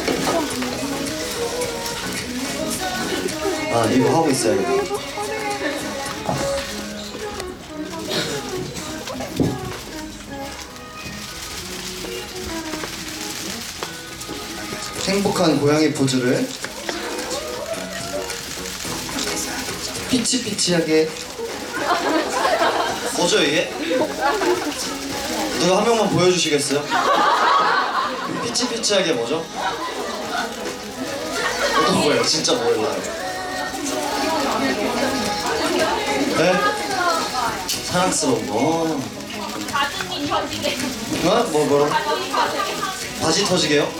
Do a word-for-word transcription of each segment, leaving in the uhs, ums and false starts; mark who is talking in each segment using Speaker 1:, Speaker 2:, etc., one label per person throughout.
Speaker 1: 아 이거 하고 있어야겠다. 행복한 고양이 포즈를 피치피치하게 뭐죠 이게? 누가 한 명만 보여주시겠어요? 피치피치하게 뭐죠? 어떤 거예요? 진짜 몰라요. 네? 사랑스러운 거.
Speaker 2: 가슴이 터지게.
Speaker 1: 어? 뭐 뭐로?
Speaker 2: 가슴이 터지게.
Speaker 1: 바지 터지게요?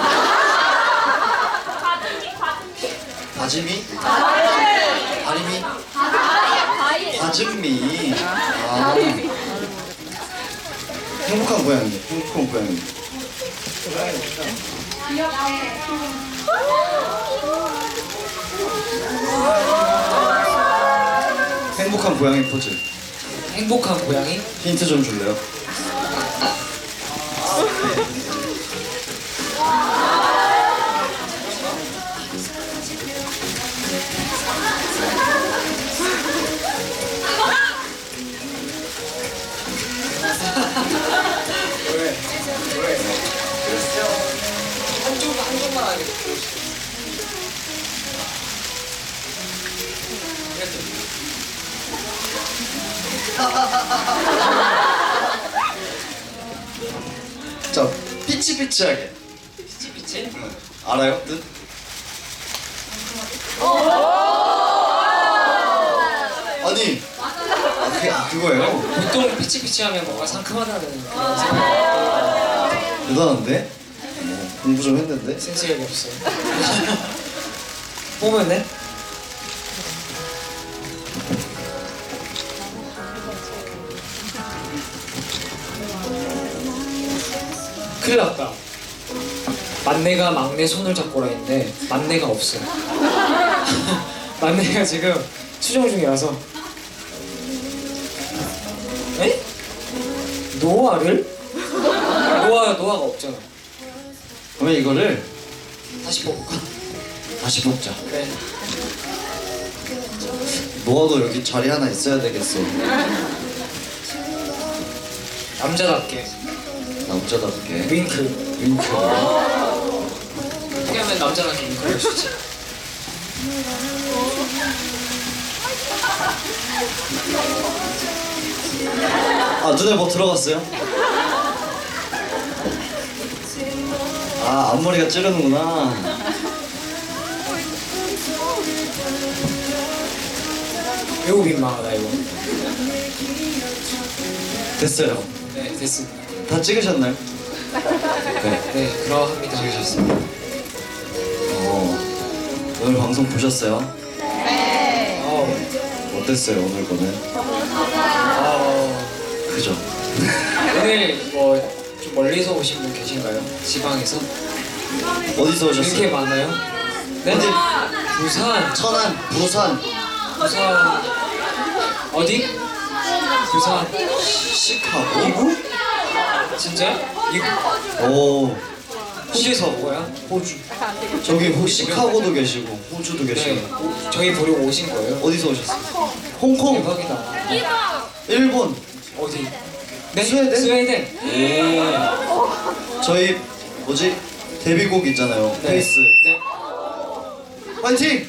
Speaker 2: 가슴이 가슴이.
Speaker 1: 바지미? 다리미?
Speaker 2: 과일.
Speaker 1: 바즘미. 아. 행복한 고양이. 행복한 고양이. 행복한 고양이 포즈.
Speaker 3: 행복한 고양이?
Speaker 1: 힌트 좀 줄래요?
Speaker 3: 왜? 왜? 한쪽 한쪽만 하게.
Speaker 1: 자, 피치피치하게.
Speaker 3: 피치 피치?
Speaker 1: 알아요? 뜻? 아니, 아, 그게 아, 그거예요?
Speaker 3: 보통 피치 피치 하면 뭔가 상큼하다는 그런 생각.
Speaker 1: 대단한데? 어, 공부 좀 했는데?
Speaker 3: 센스력이 없어. 뽑았네? 큰일 났다. 만내가 막내 손을 잡고 라 했는데 만내가 없어요. 만내가 지금 수정 중이라서. 에? 노아를? 노아, 노아가 없잖아.
Speaker 1: 그러면 이거를
Speaker 3: 다시 뽑을까?
Speaker 1: 다시 뽑자.
Speaker 3: 그래.
Speaker 1: 노아도 여기 자리 하나 있어야 되겠어.
Speaker 3: 남자답게
Speaker 1: 남자답게.
Speaker 3: 윙크.
Speaker 1: 윙크.
Speaker 3: 어떻게 하면 남자답게 윙크를 할 수 있지?
Speaker 1: 아, 눈에 뭐 들어갔어요? 아, 앞머리가 찌르는구나.
Speaker 3: 매우 민망하다 이거.
Speaker 1: 됐어요.
Speaker 3: 네, 됐습니다.
Speaker 1: 다 찍으셨나요? 네.
Speaker 3: 네, 그러합니다.
Speaker 1: 찍으셨습니다. 어, 오늘 방송 보셨어요?
Speaker 3: 어,
Speaker 1: 어땠어요, 오늘 거는?
Speaker 3: 어,
Speaker 1: 그죠?
Speaker 3: 오늘 뭐 좀 멀리서 오신 분 계신가요? 지방에서?
Speaker 1: 어디서
Speaker 3: 이렇게
Speaker 1: 오셨어요?
Speaker 3: 많아요? 네?
Speaker 1: 어디?
Speaker 3: 부산.
Speaker 1: 천안, 부산,
Speaker 3: 부산. 어디? 부산.
Speaker 1: 시카고?
Speaker 3: 미국? 진짜? 미국?
Speaker 1: 오,
Speaker 3: 호주에서 뭐야? 호주.
Speaker 1: 저기 호, 시카고도 계시고 호주도 계시고.
Speaker 3: 네, 오- 저희 보려고 오신 거예요?
Speaker 1: 어디서 오셨어요? 홍콩,
Speaker 3: 대박이다.
Speaker 1: 일본.
Speaker 3: 어디? 네?
Speaker 1: 스웨덴?
Speaker 3: 스웨덴.
Speaker 1: 오. 저희 뭐지? 데뷔곡 있잖아요.
Speaker 3: 네.
Speaker 1: 페이스.
Speaker 3: 네.
Speaker 1: 파이팅!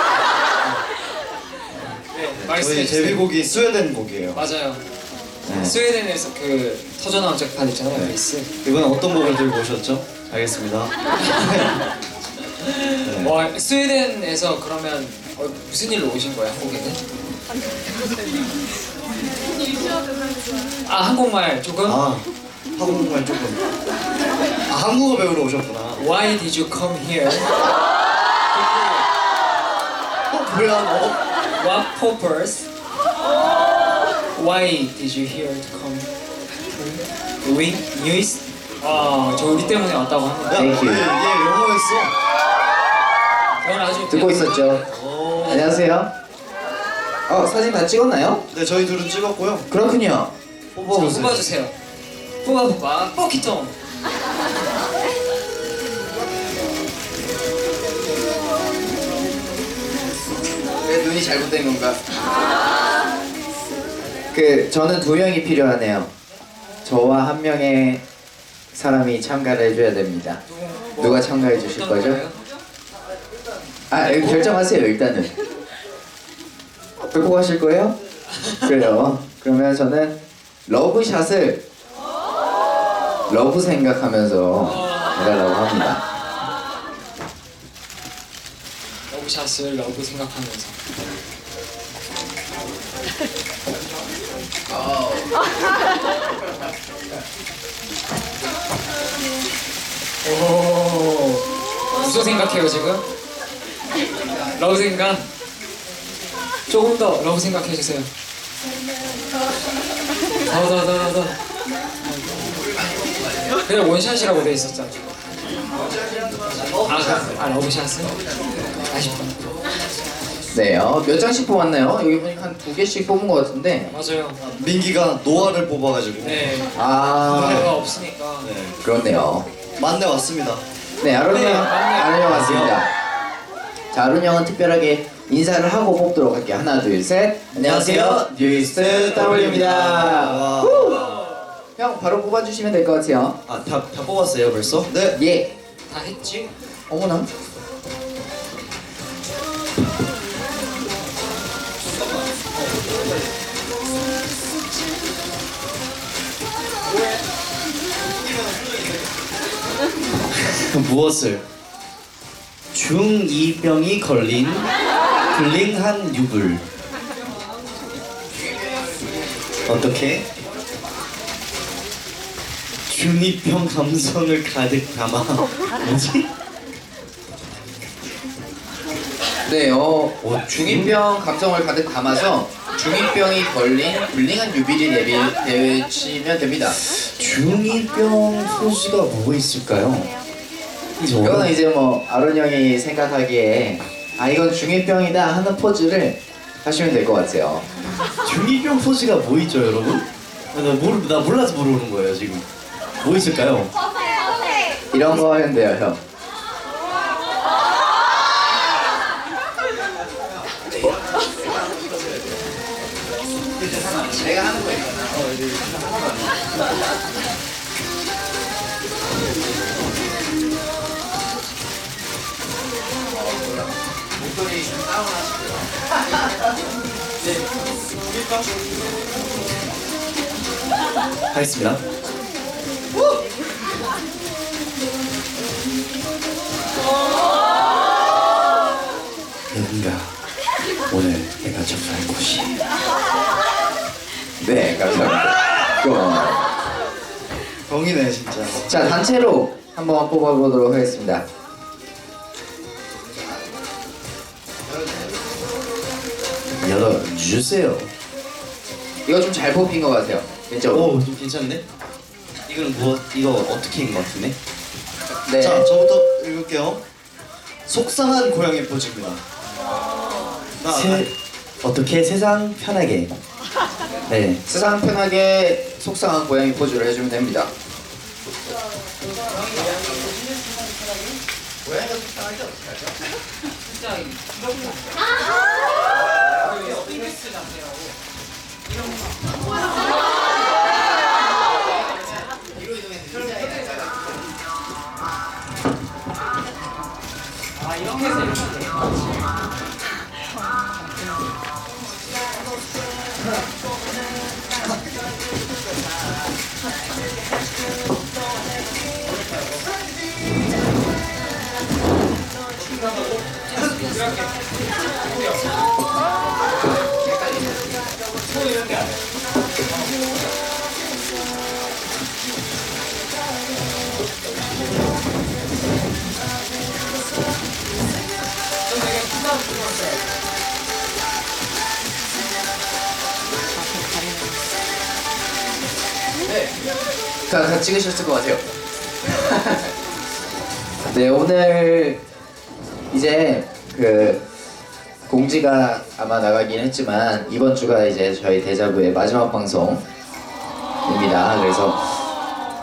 Speaker 3: 네.
Speaker 1: 저희
Speaker 3: 말씀해 주세요.
Speaker 1: 데뷔곡이 스웨덴 곡이에요.
Speaker 3: 맞아요.
Speaker 1: 네.
Speaker 3: 스웨덴에서 그 터져나온 짝판 있잖아요.
Speaker 1: 네.
Speaker 3: 베이스.
Speaker 1: 이번엔 어떤 곡을 들고 오셨죠? 알겠습니다. 네.
Speaker 3: 와, 스웨덴에서 그러면 어, 무슨 일로 오신 거예요, 한국에는? 아, 한국말 조금?
Speaker 1: 아, 한국말 조금. 아, 한국어 배우러 오셨구나.
Speaker 3: Why did you come here?
Speaker 1: 어, 뭐야 너?
Speaker 3: What purpose? Why did you here to come? Doing news? 아, 저 우리 때문에 왔다고 합니다.
Speaker 1: 야,
Speaker 4: Thank you.
Speaker 1: 얘, 얘 영어했어.
Speaker 3: 저는 아주
Speaker 4: 듣고 있었죠.
Speaker 1: 오.
Speaker 4: 안녕하세요. 어, 사진 다 찍었나요?
Speaker 1: 네, 저희 둘은 찍었고요.
Speaker 4: 그렇군요.
Speaker 1: 뽑아보세요.
Speaker 3: 뽑아주세요. 뽑아봐, 뽑기통.
Speaker 4: 잘못된 건가? 그 저는 두 명이 필요하네요. 저와 한 명의 사람이 참가를 해줘야 됩니다. 누가 참가해 주실
Speaker 3: 어떤
Speaker 4: 거죠?
Speaker 3: 거예요?
Speaker 4: 아 여기 결정하세요 일단은. 뺏고 가실 거예요? 그래요. 그러면 저는 러브샷을 러브 생각하면서 해달라고 합니다.
Speaker 3: 러브샷을 러브 생각하면서. 오. 무슨 생각해요 지금? 러브 생각? 조금 더 러브 생각해 주세요. 더 더 더 더. 그냥 원샷이라고 돼 있었잖아. 아, 그- 아 러브샷은? 아쉽다.
Speaker 4: 네, 어, 몇 장씩 뽑았나요? 여기 보니까 한 두 개씩 뽑은 것 같은데.
Speaker 3: 맞아요.
Speaker 1: 민기가 노아를 뽑아가지고.
Speaker 3: 네.
Speaker 4: 아,
Speaker 3: 노래가 없으니까.
Speaker 1: 네.
Speaker 4: 그렇네요.
Speaker 1: 만내 왔습니다.
Speaker 4: 네, 아론
Speaker 3: 네,
Speaker 4: 형,
Speaker 3: 맞네요.
Speaker 4: 아론 형 왔습니다. 자, 아론 형은 특별하게 인사를 하고 뽑도록 할게요. 하나, 둘, 셋. 안녕하세요, 뉴이스트 W입니다.
Speaker 1: 와.
Speaker 4: 형, 바로 뽑아주시면 될 것 같아요.
Speaker 1: 아, 다, 다 뽑았어요 벌써? 네.
Speaker 4: 예.
Speaker 3: 다 했지?
Speaker 4: 어머나.
Speaker 1: 무엇을? 중이병이 걸린 불링한 유불. 어떻게? 중이병 감성을 가득 담아. 뭐지?
Speaker 4: 네, 어, 중이병 감성을 가득 담아서 중이병이 걸린 불링한 유비리 내비 내치면 됩니다.
Speaker 1: 중이병 포즈가 뭐가 있을까요?
Speaker 4: 이거는 이제 뭐 아론 형이 생각하기에 아 이건 중이병이다 하는 포즈를 하시면 될 것 같아요.
Speaker 1: 중이병 포즈가 뭐 있죠, 여러분? 나, 모르, 나 몰라서 물어보는 거예요 지금. 뭐 있을까요?
Speaker 4: 이런 거 하면 돼요, 형. 내가 하는 거 있잖아. 목소리 다운하시고요.
Speaker 1: 하겠습니다. 여긴가 오늘 내가 접수할 곳이.
Speaker 4: 네, 감사합니다. 고마워요.
Speaker 1: 병이네 진짜.
Speaker 4: 자, 단체로 한번 뽑아보도록 하겠습니다.
Speaker 1: 열어주세요.
Speaker 4: 이거 좀 잘 뽑힌 것 같아요. 왼쪽.
Speaker 1: 오, 좀 괜찮네. 이거는 뭐 이거 어떻게 인것 같은데?
Speaker 4: 네.
Speaker 1: 자, 저부터 읽을게요. 속상한 고양이 포즈입니다. 나,
Speaker 5: 세, 어떻게 세상 편하게. 네.
Speaker 4: 세상 편하게 속상한 고양이 포즈를 해주면 됩니다. 고양이가 속상할 때 어떻게 하죠?
Speaker 3: 아 이렇게 해서 이렇게 돼.
Speaker 4: 다, 다 찍으셨을 것 같아요. 네, 오늘 이제 그 공지가 아마 나가긴 했지만 이번 주가 이제 저희 데자부의 마지막 방송입니다. 그래서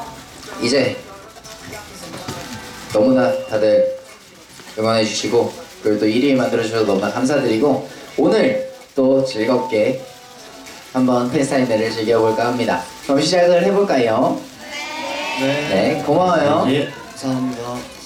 Speaker 4: 이제 너무나 다들 응원해 주시고 그리고 또 일 위 만들어주셔서 너무나 감사드리고 오늘 또 즐겁게 한번 팬사인회를 즐겨볼까 합니다. 그럼 시작을 해볼까요?
Speaker 1: 네.
Speaker 4: 네, 고마워요.
Speaker 1: 예. 감사합니다.